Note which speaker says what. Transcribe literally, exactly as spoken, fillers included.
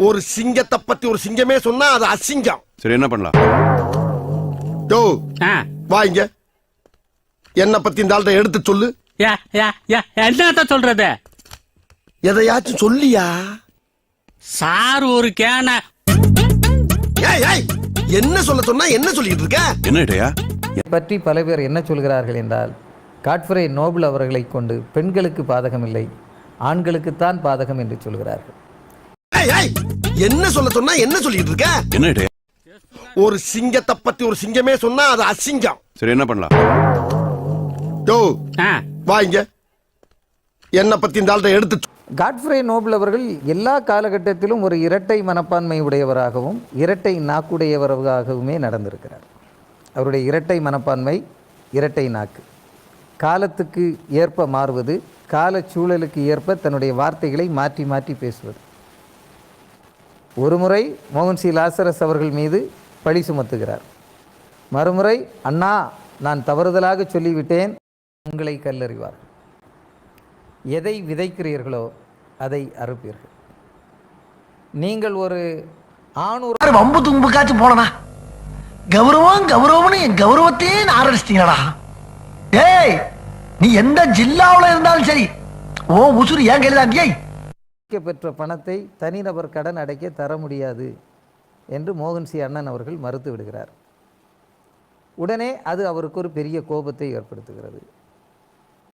Speaker 1: ஒரு சிங்கத்தை பத்தி ஒரு சிங்கமே சொன்னா அது அசிங்கம்.
Speaker 2: சரி, என்ன பண்ணலாம்?
Speaker 1: யோ வாங்க, என்ன பத்தி இந்த ஆள்கிட்ட எடுத்து சொல்லு.
Speaker 3: என்ன சொல்றது?
Speaker 1: எதையாச்சும் சொல்லியா?
Speaker 3: சார் ஒரு கேன
Speaker 1: என்ன சொல்ல சொன்னா என்ன சொல்லிட்டு இருக்க?
Speaker 2: என்னடையா
Speaker 4: பற்றி பல பேர் என்ன சொல்கிறார்கள் என்றால், காட்ஃப்ரே நோபல் அவர்களை கொண்டு பெண்களுக்கு பாதகம் இல்லை, ஆண்களுக்குத்தான் பாதகம் என்று சொல்கிறார்கள்.
Speaker 1: என்ன சொல்ல சொன்னா என்ன சொல்லிட்டு இருக்க?
Speaker 2: என்னடையா
Speaker 1: ஒரு சிங்கத்தை பத்தி ஒரு சிங்கமே சொன்னா அது அசிங்கம்.
Speaker 2: சரி, என்ன பண்ணலாம்?
Speaker 1: யோ வாங்க, என்ன பத்தி இந்த ஆள்கிட்ட எடுத்து.
Speaker 4: காட்ஃப்ரே நோபல் அவர்கள் எல்லா காலகட்டத்திலும் ஒரு இரட்டை மனப்பான்மை உடையவராகவும் இரட்டை நாக்குடையவராகவுமே நடந்திருக்கிறார். அவருடைய இரட்டை மனப்பான்மை, இரட்டை நாக்கு, காலத்துக்கு ஏற்ப மாறுவது, கால சூழலுக்கு ஏற்ப தன்னுடைய வார்த்தைகளை மாற்றி மாற்றி பேசுவது. ஒருமுறை மோகன் சி லாசரஸ் அவர்கள் மீது பழி சுமத்துகிறார். மறுமுறை, அண்ணா நான் தவறுதலாக சொல்லிவிட்டேன், உங்களை கல்லறிவார். எதை விதைக்கிறீர்களோ அதை அறுப்பீர்கள். நீங்கள் ஒரு ஆணூர்
Speaker 5: வம்பு தும்புக்காச்சும் போனனா கௌரவம் கௌரவம்னு என் கௌரவத்தையே ஆரம்பிச்சிட்டீங்களா? ஏய், நீ எந்த ஜில்லாவில் இருந்தாலும் சரி, ஓ உசுறு ஏன் கையிலாண்டியை
Speaker 4: பெற்ற பணத்தை தனிநபர் கடன் அடைக்க தர முடியாது என்று மோகன் சி அண்ணன் அவர்கள் மறுத்து விடுகிறார். உடனே அது அவருக்கு ஒரு பெரிய கோபத்தை ஏற்படுத்துகிறது.